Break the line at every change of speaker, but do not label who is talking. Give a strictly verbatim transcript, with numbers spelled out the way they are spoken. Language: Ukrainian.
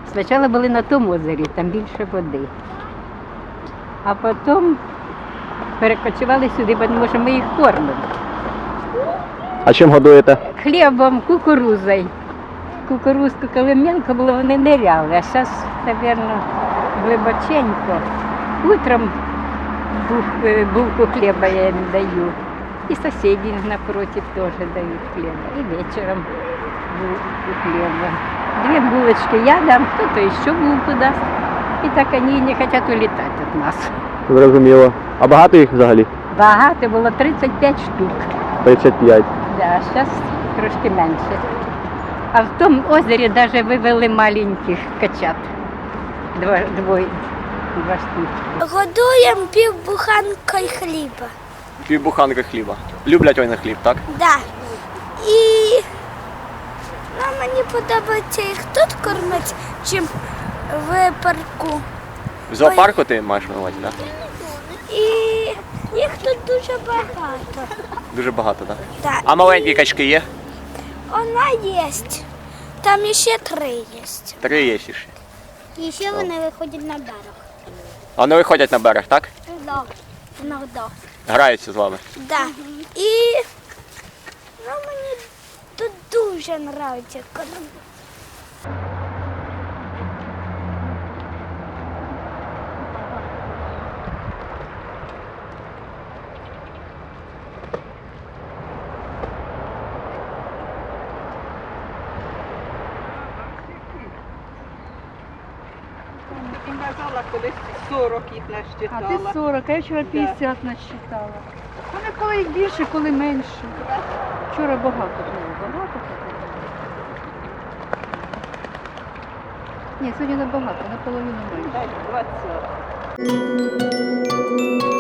Спочатку були на тому озері, там більше води. А потім перекочували сюди, тому що ми їх кормимо.
А чим годуєте?
Хлібом, кукурузою. Кукурузку, коли мелко було, вони ниряли, а зараз, мабуть, глибоченько. Утром бух- е, булку хліба я їм даю. І сусіди напротив теж дають хліба. І вечором булку хліба. Дві булочки я дам, хто-то ще булку дасть. І так вони не хочуть улітати від нас.
Зрозуміло. А багато їх взагалі?
Багато було тридцять п'ять штук.
тридцять п'ять.
Да, а зараз трошки менше. А в тому озері навіть вивели маленьких качат. Два, двоє, два штуки.
Годуємо півбуханкою хліба.
Півбуханки хліба. Люблять вони хліб, так?
Да. І ну, мені подобається їх тут кормити, чим в парку.
В зоопарку ти маєш на увазі, так?
І їх тут дуже багато.
Дуже багато, так?
Да.
А маленькі качки є?
Вона є. Там ще три є.
Три є ще.
І ще вони виходять на берег.
Вони виходять на берег, так?
Да. Іногда.
Граються з вами.
Да. І ну, мені тут дуже подобається кормити.
Ти казала, колись сорок їх
А
насчитала.
ти сорок, а я вчора п'ятдесят насчитала. Вони коли їх більше, коли менше. Вчора багато було, багато було. Ні, сьогодні набагато, наполовину менше.
Дай двадцять.